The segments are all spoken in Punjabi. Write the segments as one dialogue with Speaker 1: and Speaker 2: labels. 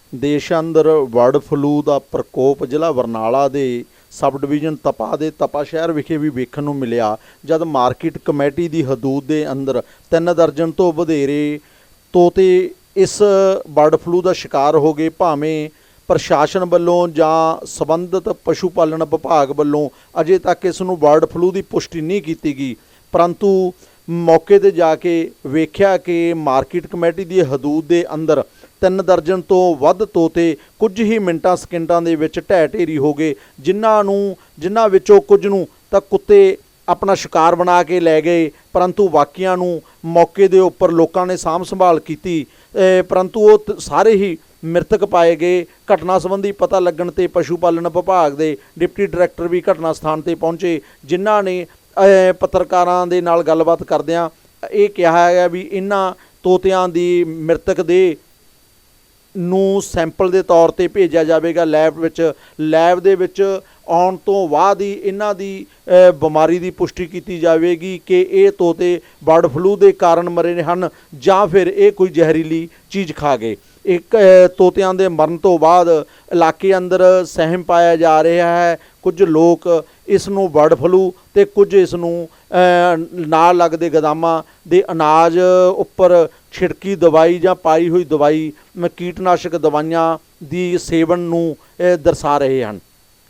Speaker 1: ਦੇਸ਼ ਅੰਦਰ ਬਰਡ ਫਲੂ ਦਾ ਪ੍ਰਕੋਪ ਜ਼ਿਲ੍ਹਾ ਬਰਨਾਲਾ ਦੇ ਸਬ ਡਿਵੀਜ਼ਨ ਤਪਾ ਦੇ ਤਪਾ ਸ਼ਹਿਰ ਵਿਖੇ ਵੀ ਵੇਖਣ ਨੂੰ ਮਿਲਿਆ, ਜਦ ਮਾਰਕੀਟ ਕਮੇਟੀ ਦੀ ਹਦੂਦ ਦੇ ਅੰਦਰ 3 ਦਰਜਨ ਤੋਂ ਵਧੇਰੇ ਤੋਤੇ ਇਸ ਬਰਡ ਫਲੂ ਦਾ ਸ਼ਿਕਾਰ ਹੋ ਗਏ। ਭਾਵੇਂ ਪ੍ਰਸ਼ਾਸਨ ਵੱਲੋਂ ਜਾਂ ਸੰਬੰਧਿਤ ਪਸ਼ੂ ਪਾਲਣ ਵਿਭਾਗ ਵੱਲੋਂ ਅਜੇ ਤੱਕ ਇਸ ਨੂੰ ਬਰਡ ਫਲੂ ਦੀ ਪੁਸ਼ਟੀ ਨਹੀਂ ਕੀਤੀ ਗਈ, ਪਰੰਤੂ ਮੌਕੇ 'ਤੇ ਜਾ ਕੇ ਵੇਖਿਆ ਕਿ ਮਾਰਕੀਟ ਕਮੇਟੀ ਦੀ ਹਦੂਦ ਦੇ ਅੰਦਰ 3 ਦਰਜਨ ਤੋਂ ਵੱਧ ਤੋਤੇ ਕੁਝ ਹੀ ਮਿੰਟਾਂ ਸਕਿੰਟਾਂ ਦੇ ਵਿੱਚ ਢਹਿ ਢੇਰੀ ਹੋ ਗਏ, ਜਿਨ੍ਹਾਂ ਵਿੱਚੋਂ ਕੁਝ ਨੂੰ ਤਾਂ ਕੁੱਤੇ ਆਪਣਾ ਸ਼ਿਕਾਰ ਬਣਾ ਕੇ ਲੈ ਗਏ, ਪਰੰਤੂ ਬਾਕੀਆਂ ਨੂੰ ਮੌਕੇ ਦੇ ਉੱਪਰ ਲੋਕਾਂ ਨੇ ਸਾਂਭ ਸੰਭਾਲ ਕੀਤੀ, ਪਰੰਤੂ ਉਹ ਸਾਰੇ ਹੀ ਮ੍ਰਿਤਕ ਪਾਏ ਗਏ। ਘਟਨਾ ਸੰਬੰਧੀ ਪਤਾ ਲੱਗਣ 'ਤੇ ਪਸ਼ੂ ਪਾਲਣ ਵਿਭਾਗ ਦੇ ਡਿਪਟੀ ਡਾਇਰੈਕਟਰ ਵੀ ਘਟਨਾ ਸਥਾਨ 'ਤੇ ਪਹੁੰਚੇ, ਜਿਨ੍ਹਾਂ ਨੇ ਪੱਤਰਕਾਰਾਂ ਦੇ ਨਾਲ ਗੱਲਬਾਤ ਕਰਦਿਆਂ ਇਹ ਕਿਹਾ ਹੈ ਵੀ ਇਹਨਾਂ ਤੋਤਿਆਂ ਦੀ ਮ੍ਰਿਤਕ ਦੇਹ ਨੂੰ ਸੈਂਪਲ ਦੇ ਤੌਰ 'ਤੇ ਭੇਜਿਆ ਜਾਵੇਗਾ ਲੈਬ ਦੇ ਵਿੱਚ ਆਉਣ ਤੋਂ ਬਾਅਦ ਹੀ ਇਹਨਾਂ ਦੀ ਬਿਮਾਰੀ ਦੀ ਪੁਸ਼ਟੀ ਕੀਤੀ ਜਾਵੇਗੀ ਕਿ ਇਹ ਤੋਤੇ ਬਰਡ ਫਲੂ ਦੇ ਕਾਰਨ ਮਰੇ ਹਨ ਜਾਂ ਫਿਰ ਇਹ ਕੋਈ ਜ਼ਹਿਰੀਲੀ ਚੀਜ਼ ਖਾ ਗਏ। ਇੱਕ ਤੋਤਿਆਂ ਦੇ ਮਰਨ ਤੋਂ ਬਾਅਦ ਇਲਾਕੇ ਅੰਦਰ ਸਹਿਮ ਪਾਇਆ ਜਾ ਰਿਹਾ ਹੈ। ਕੁਝ ਲੋਕ ਇਸ ਨੂੰ ਬਰਡ ਫਲੂ ਅਤੇ ਕੁਝ ਇਸ ਨੂੰ ਨਾਲ ਲੱਗਦੇ ਗੋਦਾਮਾਂ ਦੇ ਅਨਾਜ ਉੱਪਰ ਛਿੜਕੀ ਦਵਾਈ ਜਾਂ ਪਾਈ ਹੋਈ ਦਵਾਈ ਕੀਟਨਾਸ਼ਕ ਦਵਾਈਆਂ ਦੀ ਸੇਵਨ ਨੂੰ ਦਰਸਾ ਰਹੇ ਹਨ।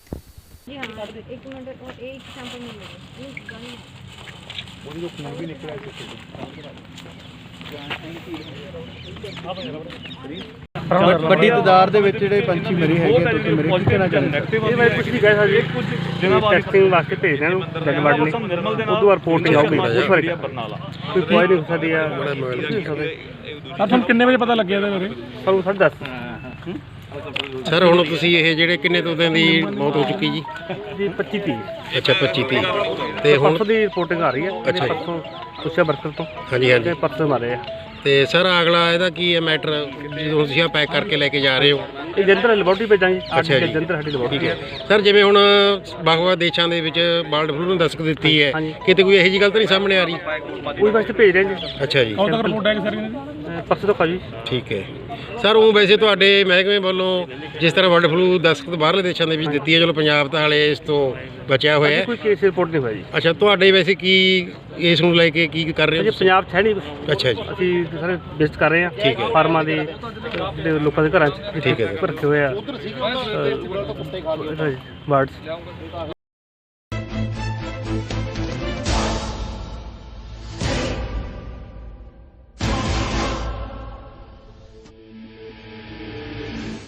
Speaker 2: ਵੱਡੀ ਤਾਦਾਦ ਦੇ ਵਿੱਚ ਜਿਹੜੇ ਪੰਛੀ ਮਰੇ ਹੈਗੇ ਤੁਸੀਂ ਮੇਰੇ ਕੀ ਕਹਿਣਾ ਚਾਹੁੰਦੇ?
Speaker 3: ਇਹ ਬਾਰੇ ਕੁਝ ਨਹੀਂ ਕਹਿ ਸਕਦੇ, ਕੁਝ ਦਿਨਾਂ ਬਾਅਦ ਟੈਸਟਿੰਗ ਵਾਸਤੇ ਭੇਜਦੇ ਨੂੰ ਡੱਗਵੜ ਲਈ ਉਦੋਂ ਬਾਅਦ ਰਿਪੋਰਟ ਆਊਗੀ। ਕੋਈ ਕੋਈ ਨਹੀਂ ਹੋ ਸਕਦੀ ਆ।
Speaker 2: ਤੁਹਾਨੂੰ ਕਿੰਨੇ ਵਜੇ ਪਤਾ ਲੱਗਿਆ ਇਹਦੇ ਬਾਰੇ?
Speaker 3: ਸਾਨੂੰ 10:30
Speaker 4: ਸਰ ਹੁਣ ਤੁਸੀਂ ਇਹ ਜਿਹੜੇ ਕਿੰਨੇ ਤੋਤਿਆਂ ਦੀ ਮੌਤ ਹੋ ਚੁੱਕੀ ਜੀ?
Speaker 3: ਜੀ 25-30।
Speaker 4: ਅੱਛਾ 25-30 ਤੇ ਹੁਣ
Speaker 3: ਪਰਸੋਂ ਦੀ ਰਿਪੋਰਟਿੰਗ ਆ ਰਹੀ ਹੈ।
Speaker 4: ਅੱਛਾ ਜੀ।
Speaker 3: ਪਰਸੋਂ ਪੁੱਛਿਆ ਬਰਕਰ ਤੋਂ
Speaker 4: ਹਾਂਜੀ ਹਾਂਜੀ
Speaker 3: ਪਰਸੋਂ ਮਾਰੇ ਆ।
Speaker 4: ਤੇ ਸਰ ਅਗਲਾ ਇਹਦਾ ਕੀ ਹੈ ਮੈਟਰ, ਜਦੋਂ ਤੁਸੀਂ ਆ ਪੈਕ ਕਰਕੇ ਲੈ ਕੇ ਜਾ ਰਹੇ ਹੋ?
Speaker 3: ਇਹ ਜੰਦਰ ਲੈਬੋਰਟਰੀ ਭੇਜਾਂਗੇ।
Speaker 4: ਅੱਛਾ ਜੀ,
Speaker 3: ਜੰਦਰ ਸਾਡੀ ਲੈਬੋਰਟਰੀ
Speaker 4: ਠੀਕ ਹੈ ਸਰ। ਜਿਵੇਂ ਹੁਣ ਵੱਖ-ਵੱਖ ਦੇਸ਼ਾਂ ਦੇ ਵਿੱਚ ਬਰਡ ਫਲੂ ਨੂੰ ਦਸਤਕ ਦਿੱਤੀ ਹੈ, ਕਿਤੇ ਕੋਈ ਇਹੋ ਜਿਹੀ ਗੱਲ ਤਾਂ ਨਹੀਂ ਸਾਹਮਣੇ ਆ ਰਹੀ?
Speaker 3: ਕੋਈ ਵਾਸਤੇ ਭੇਜ ਰਹੇ ਜੀ।
Speaker 4: ਅੱਛਾ ਜੀ,
Speaker 2: ਹੁਣ ਤੱਕ ਰਿਪੋਰਟ ਹੈ ਕਿ ਸਰ
Speaker 3: ਪਰਸੋਂ ਤੋਂ ਜੀ।
Speaker 4: ਠੀਕ ਹੈ ਸਰ। ਉਹ ਵੈਸੇ ਤੁਹਾਡੇ ਮਹਿਕਮੇ ਵੱਲੋਂ ਜਿਸ ਤਰ੍ਹਾਂ ਬਰਡ ਫਲੂ ਦਸਤਕ ਬਾਹਰਲੇ ਦੇਸ਼ਾਂ ਦੇ ਵਿੱਚ ਦਿੱਤੀ ਹੈ, ਚਲੋ ਪੰਜਾਬ ਤਾਂ ਹਾਲੇ ਇਸ ਤੋਂ ਬਚਿਆ ਹੋਇਆ ਹੈ।
Speaker 3: ਕੋਈ ਕੇਸ ਰਿਪੋਰਟ ਨਹੀਂ ਹੋਇਆ ਜੀ।
Speaker 4: ਅੱਛਾ, ਤੁਹਾਡੇ ਵੈਸੇ ਕੀ ਇਸ ਨੂੰ ਲੈ ਕੇ ਕੀ ਕਰ ਰਹੇ ਹੋ?
Speaker 3: ਪੰਜਾਬ 'ਚ ਹੈ ਨਹੀਂ ਕੁਛ।
Speaker 4: ਅੱਛਾ ਜੀ,
Speaker 3: ਅਸੀਂ ਸਾਰੇ ਵਿਜ਼ਿਟ ਕਰ ਰਹੇ ਹਾਂ।
Speaker 4: ਠੀਕ ਹੈ।
Speaker 3: ਫਾਰਮਾਂ ਦੇ ਜਿਹੜੇ ਲੋਕਾਂ ਦੇ ਘਰਾਂ 'ਚ
Speaker 4: ਠੀਕ ਹੈ ਸਰ।
Speaker 3: ਰੱਖੇ ਹੋਏ ਆ ਬਰਡਸ।